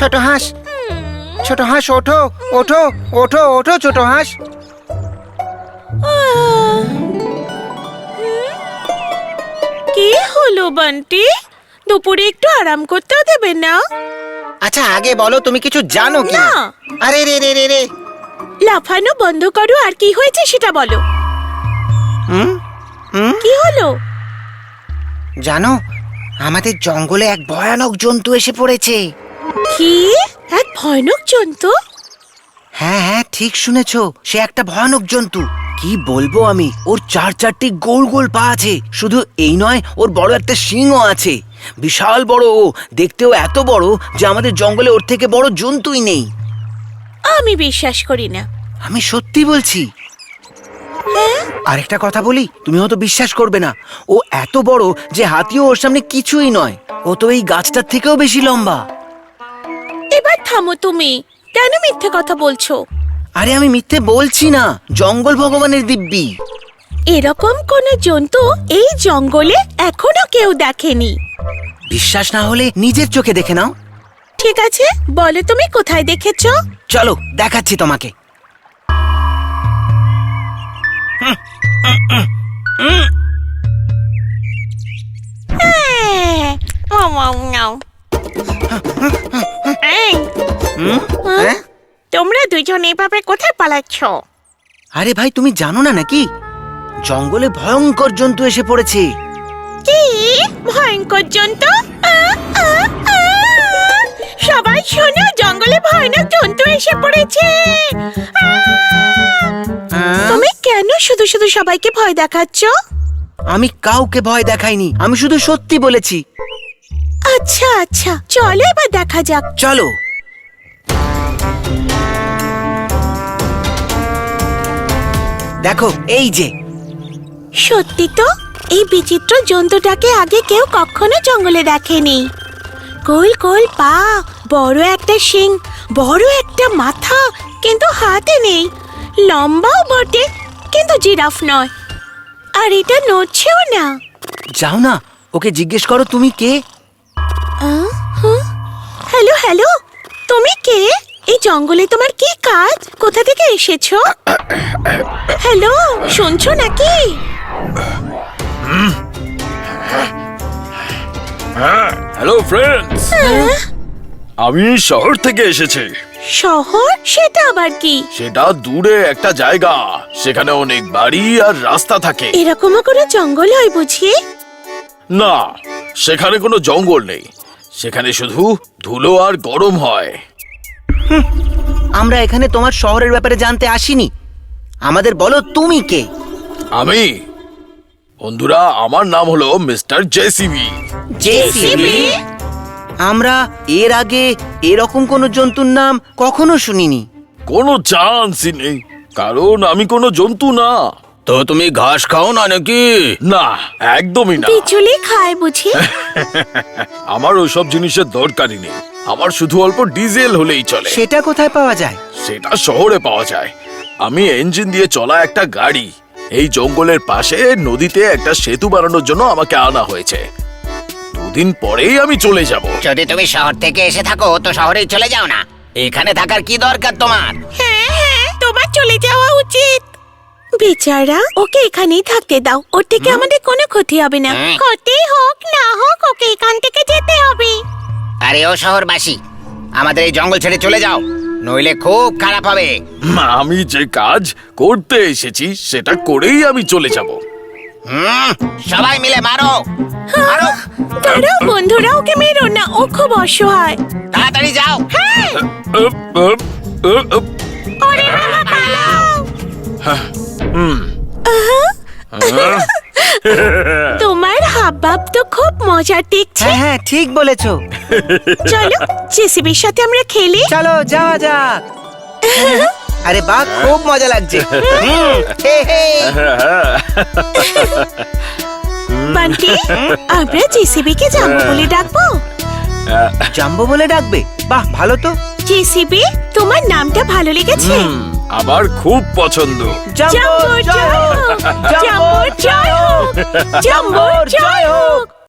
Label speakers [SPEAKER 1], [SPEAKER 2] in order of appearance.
[SPEAKER 1] ছোট হাঁস, ছোট হাঁস ওঠো ওঠো ওঠো ওঠো ছোট হাঁস।
[SPEAKER 2] কি হলো বান্টি? দুপুরে একটু আরাম করতেও দেবে না?
[SPEAKER 1] আচ্ছা আগে বলো তুমি কিছু জানো কি?
[SPEAKER 2] না।
[SPEAKER 1] আরে রে রে রে রে,
[SPEAKER 2] লাফানো বন্ধ করো আর কি হয়েছে সেটা বলো। কি হলো?
[SPEAKER 1] জানো আমাদের জঙ্গলে এক ভয়ানক জন্তু এসে পড়েছে।
[SPEAKER 2] কি? এক ভয়ানক জন্তু?
[SPEAKER 1] হ্যাঁ হ্যাঁ ঠিক শুনেছো, সে একটা ভয়ানক জন্তু। কি বলবো আমি, ওর চারটি গোল গোল পা আছে। শুধু এই নয়, ওর বড় একটা শিংও আছে। বিশাল বড় ও, দেখতেও এত বড় যে আমাদের জঙ্গলে ওর থেকে বড় জন্তুই নেই।
[SPEAKER 2] আমি বিশ্বাস করি না।
[SPEAKER 1] আমি সত্যি বলছি। আরেকটা কথা বলি, তুমি হয়তো বিশ্বাস করবে না, ও এত বড় যে হাতিও ওর সামনে কিছুই নয়। ও তো এই গাছটার থেকেও বেশি লম্বা।
[SPEAKER 2] এবার থামো তুমি, কেন মিথ্যে কথা বলছো?
[SPEAKER 1] আরে আমি মিথ্যে বলছি না, জঙ্গল ভগবানের দিব্যি।
[SPEAKER 2] এরকম কোন জন্তু এই জঙ্গলে এখনো কেউ দেখেনি।
[SPEAKER 1] বিশ্বাস না হলে নিজের চোখে দেখে নাও।
[SPEAKER 2] ঠিক আছে, বলো তুমি কোথায় দেখেছো?
[SPEAKER 1] চলো দেখাচ্ছি তোমাকে।
[SPEAKER 2] এই,
[SPEAKER 1] হ্যাঁ?
[SPEAKER 2] তোমরা দুজন এভাবে কোথায় পালাচ্ছ?
[SPEAKER 1] আরে ভাই তুমি জানো না নাকি, জঙ্গলে ভয়ঙ্কর জন্তু এসে পড়েছে।
[SPEAKER 2] কি ভয়ঙ্কর জন্তু? সবাই শোনো, জঙ্গলে ভয়ানক জন্তু এসে পড়েছে। তুমি কেন শুধু শুধু সবাইকে ভয় দেখাচ্ছ?
[SPEAKER 1] আমি কাউকে ভয় দেখাইনি, আমি শুধু সত্যি বলেছি।
[SPEAKER 2] আচ্ছা আচ্ছা, চলো এবার দেখা যাক।
[SPEAKER 1] চলো। দেখো এই যে।
[SPEAKER 2] সত্যি তো, এই বিচিত্র জন্তুটাকে আগে কেউ কখনো জঙ্গলে দেখেনি। গোল গোল পা, বড় একটা শিং, বড় একটা মাথা, কিন্তু হাতে নেই। লম্বাও বটে, কিন্তু জিরাফ নয়। আর এটা নড়ছেও না।
[SPEAKER 1] যাও না, ওকে জিজ্ঞেস করো তুমি কে।
[SPEAKER 2] হ্যালো হ্যালো, তুমি কে? এই জঙ্গলে তোমার কি কাজ? কোথা থেকে এসেছো? হ্যালো, শুনছো নাকি?
[SPEAKER 3] হ্যালো ফ্রেন্ডস, আমি শহর থেকে এসেছি।
[SPEAKER 2] শহর? সেটা আবার কি?
[SPEAKER 3] সেটা দূরে একটা জায়গা, সেখানে অনেক বাড়ি আর রাস্তা থাকে।
[SPEAKER 2] এরকমও কোনো জঙ্গল হয় বুঝি?
[SPEAKER 3] না, সেখানে কোনো জঙ্গল নেই, সেখানে শুধু ধুলো আর গরম হয়।
[SPEAKER 1] আমরা এখানে তোমার শহরের ব্যাপারে জানতে আসিনি, আমাদের বলো তুমি কে।
[SPEAKER 3] আমি, বন্ধুরা, আমার নাম হলো মিস্টার জেসিবি।
[SPEAKER 1] জেসিবি? আমরা এর আগে এরকম কোনো জন্তুর নাম কখনো শুনিনি।
[SPEAKER 3] কোনো চান্সই নেই, কারণ আমি কোনো জন্তু না। তো তুমি ঘাস খাও না নাকি? না, একদমই না।
[SPEAKER 2] বিচুলি খায় বুঝি?
[SPEAKER 3] আমার ওইসব জিনিসের দরকারই নেই, আমার শুধু অল্প ডিজেল হলেই চলে।
[SPEAKER 1] সেটা কোথায় পাওয়া যায়?
[SPEAKER 3] সেটা শহরে পাওয়া যায়। আমি ইঞ্জিন দিয়ে চলা একটা গাড়ি। এই জঙ্গলের পাশে নদীতে একটা সেতু বানানোর জন্য আমাকে আনা হয়েছে। দুদিন পরেই আমি চলে যাব।
[SPEAKER 4] যদি তুমি শহর থেকে এসে থাকো তো শহরেই চলে যাও না, এখানে থাকার কি দরকার তোমার?
[SPEAKER 2] হ্যাঁ হ্যাঁ, তোমার চলে যাওয়া উচিত। বেচারা, ওকে এখানেই থাকতে দাও, ওর থেকে আমাদের কোনো ক্ষতি হবে না। ক্ষতি হোক না হোক, ওকে এখান থেকে যেতে হবে।
[SPEAKER 4] আরে ও শহরবাসী, আমাদের এই জঙ্গল ছেড়ে চলে যাও, নইলে খুব খারাপ হবে।
[SPEAKER 3] আমি যে কাজ করতে এসেছি সেটা করেই আমি চলে যাব।
[SPEAKER 4] সবাই মিলে মারো মারো।
[SPEAKER 2] দাঁড়াও বন্ধুরা, ওকে মেরো না, ও খুব অসহায়।
[SPEAKER 4] তাড়াতাড়ি যাও।
[SPEAKER 2] হ্যাঁ, ওরে বাবা, পালাও। তোমার হাবভাব তো খুব মজার দেখছি।
[SPEAKER 1] হ্যাঁ হ্যাঁ ঠিক বলেছো।
[SPEAKER 2] চলো জেসিবির সাথে আমরা খেলি।
[SPEAKER 1] চলো যাওয়া যাক। আরে বাহ, খুব মজা লাগছে। হে হে।
[SPEAKER 2] বান্টি, আমরা জেসিবিকে জাম্বো বলে ডাকবো।
[SPEAKER 1] জাম্বো বলে ডাকবে? বাহ, ভালো তো।
[SPEAKER 2] জেসিবি, তোমার নামটা ভালো লেগেছে।
[SPEAKER 3] আমার খুব পছন্দ।
[SPEAKER 2] জাম্বো জয় হোক, জাম্বো জয় হোক, জাম্বো জয় হোক।